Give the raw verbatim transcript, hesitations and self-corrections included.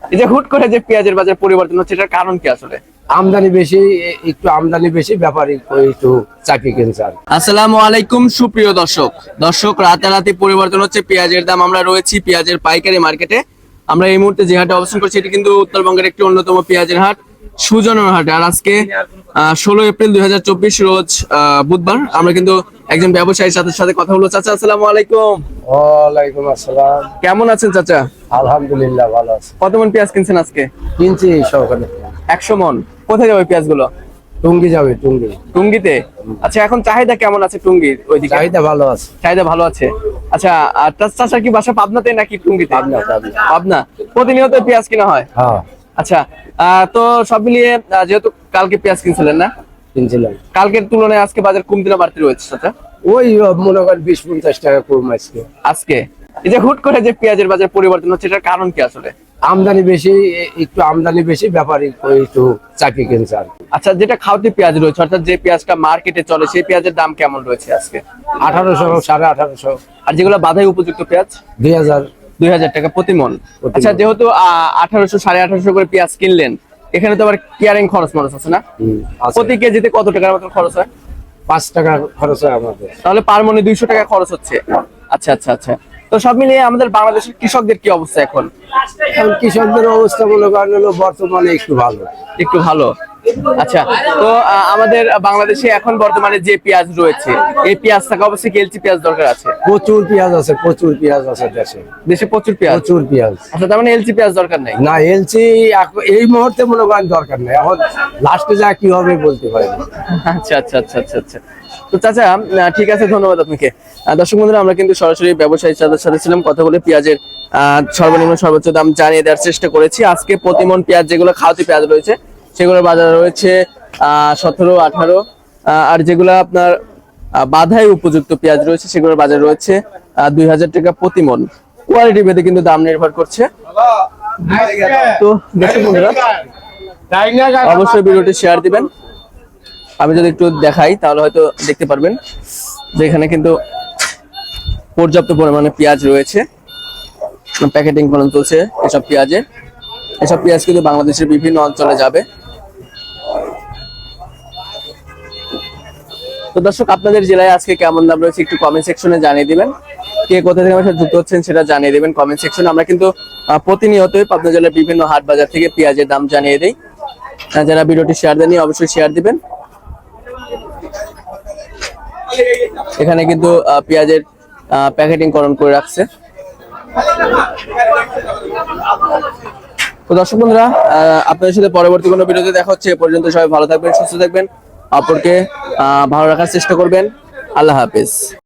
এই যে হুট করে যে পেঁয়াজের বাজার পরিবর্তন হচ্ছে, এটার কারণ কি আসলে? আমদানি বেশি, একটু আমদানি বেশি, ব্যাপারী একটু চাকরি কিনছে। আসসালামু আলাইকুম সুপ্রিয় দর্শক দর্শক রাতারাতি পরিবর্তন হচ্ছে পেঁয়াজের দাম। আমরা রয়েছি পেঁয়াজের পাইকারি মার্কেটে। আমরা এই মুহূর্তে যে হাটে অবস্থান করছি, এটি কিন্তু উত্তরবঙ্গের একটি অন্যতম পেঁয়াজের হাট, সুজনের হাট। আর আজকে ষোলো এপ্রিল দুই হাজার চব্বিশ রোজ বুধবার। আমরা কিন্তু একজন ব্যবসায়ীর সাথে সাথে কথা বলবো। চাচা আসসালামু আলাইকুম। ওয়ালাইকুম আসসালাম। কেমন আছেন চাচা? আলহামদুলিল্লাহ ভালো আছে। কত মন পেঁয়াজ কিনছেন আজকে? কিনছি সহকারে একশো মন। কোথায় যাবে পেঁয়াজ গুলো? টুঙ্গি যাবে। টুঙ্গি টুঙ্গিতে? আচ্ছা, এখন চাহিদা কেমন আছে টুঙ্গির ওইদিকে? চাহিদা ভালো আছে। চাহিদা ভালো আছে। আচ্ছা, আর চাচা কি বাসা পাবনাতে নাকি টুঙ্গিতে? পাবনা। পাবনা। পাবনা। প্রতিনিয়ত পেঁয়াজ কিনা হয়? হ্যাঁ আচ্ছা, আহ, তো সব মিলিয়ে আহ, যেহেতু কালকে পেঁয়াজ কিনছিলেন না, কিনছিলাম। কালকের তুলনায় আজকে বাজার কমতি না বাড়তি রয়েছে চাচা? ওই মনে করেন বিশ পঞ্চাশ টাকা কম আজকে। আজকে এই যে হুট করে যে পেঁয়াজের বাজার পরিবর্তন হচ্ছে, এটার কারণ কি আসলে? আমদানি বেশি, একটু আমদানি বেশি, ব্যাপারী একটু চাকরি কিনছে। আচ্ছা, যেটা খাওয়াতে পেঁয়াজ রয়েছে, অর্থাৎ যে পেঁয়াজটা মার্কেটে চলে, সেই পেঁয়াজের দাম কেমন রয়েছে আজকে? আঠারোশো, সাড়ে আঠারোশো। আর যেগুলো বাধাই উপযুক্ত পেঁয়াজ? দুই হাজার দুই হাজার টাকা প্রতি মন। প্রতি আচ্ছা, মণ। যেহেতু আহ আঠারোশো সাড়ে আঠারোশো করে পেঁয়াজ কিনলেন, এখানে তো আবার কেয়ারিং খরচ মরচ আছে না? হুম, আছে। প্রতি কেজিতে কত টাকার মতো খরচ হয়? পাঁচ টাকা খরচ হয় আমাদের। তাহলে পার মনে দুইশো টাকা খরচ হচ্ছে। আচ্ছা আচ্ছা আচ্ছা। তো সব মিলিয়ে আমাদের বাংলাদেশের কৃষকদের কি অবস্থা এখন? এখন কৃষকদের অবস্থা মনে করেন হলো বর্তমানে একটু ভালো। একটু ভালো। আচ্ছা, তো আহ, আমাদের বাংলাদেশে এখন বর্তমানে যে পেঁয়াজ রয়েছে, এই পেঁয়াজ থাকা অবশ্যই কি এলচি পেঁয়াজ দরকার আছে? প্রচুর পেঁয়াজ আছে, প্রচুর পেঁয়াজ আছে দেশে। দেশে প্রচুর পেঁয়াজ? প্রচুর পেঁয়াজ। আচ্ছা, তার মানে এলচি পেঁয়াজ দরকার নাই? না, এলসি এই মুহূর্তে মনে করেন দরকার নেই। এখন লাস্টে যা কি হবে বলতে পারি না। আচ্ছা আচ্ছা আচ্ছা আচ্ছা আচ্ছা। তো চাচা, আহ, ঠিক আছে, ধন্যবাদ আপনাকে। আহ, দর্শক বন্ধুরা, আমরা কিন্তু সরাসরি ব্যবসায়ীর সাথে সাথে ছিলাম, কথা বলে পেঁয়াজের আহ, সর্বনিম্ন সর্বোচ্চ দাম জানিয়ে দেওয়ার চেষ্টা করেছি। আজকে প্রতিমন পেঁয়াজ যেগুলো খাওয়াতি পেঁয়াজ রয়েছে, সেগুলোর বাজার রয়েছে আহ সতেরো আঠারো। আর যেগুলো আপনার আহ, বাধাই উপযুক্ত পেঁয়াজ রয়েছে, সেগুলোর বাজার রয়েছে আহ দুই হাজার টাকা প্রতি মন। কোয়ালিটি ভেদে কিন্তু দাম নির্ভর করছে। তো দর্শক বন্ধুরা, অবশ্যই ভিডিওটি শেয়ার দিবেন। আমি যদি একটু দেখাই তাহলে হয়তো দেখতে পারবেন যে এখানে কিন্তু পর্যাপ্ত পরিমাণে পেঁয়াজ রয়েছে, প্যাকেটিং করা চলছে এসব পেঁয়াজে। এসব পেঁয়াজ কিন্তু বাংলাদেশের বিভিন্ন অঞ্চলে যাবে। তো দর্শক, আপনাদের জেলায় আজকে কেমন দাম রয়েছে একটু কমেন্ট সেকশনে জানিয়ে দিবেন। কে কোথা থেকে আমার সাথে যুক্ত হচ্ছেন সেটা জানিয়ে দিবেন কমেন্ট সেকশনে। আমরা কিন্তু প্রতিনিয়তই পাবনা জেলার বিভিন্ন হাট বাজার থেকে পেঁয়াজের দাম জানিয়ে দিই। যারা ভিডিওটি শেয়ার দেননি অবশ্যই শেয়ার দিবেন। এখানে কিন্তু পেঁয়াজের প্যাকেটিং করণ করে রাখছে। তো দর্শক বন্ধুরা, আপনাদের সাথে পরবর্তী কোনো ভিডিওতে দেখা হচ্ছে। এ পর্যন্ত সবাই ভালো থাকবেন, সুস্থ থাকবেন, অপরকে আহ ভালো রাখার চেষ্টা করবেন। আল্লাহ হাফেজ।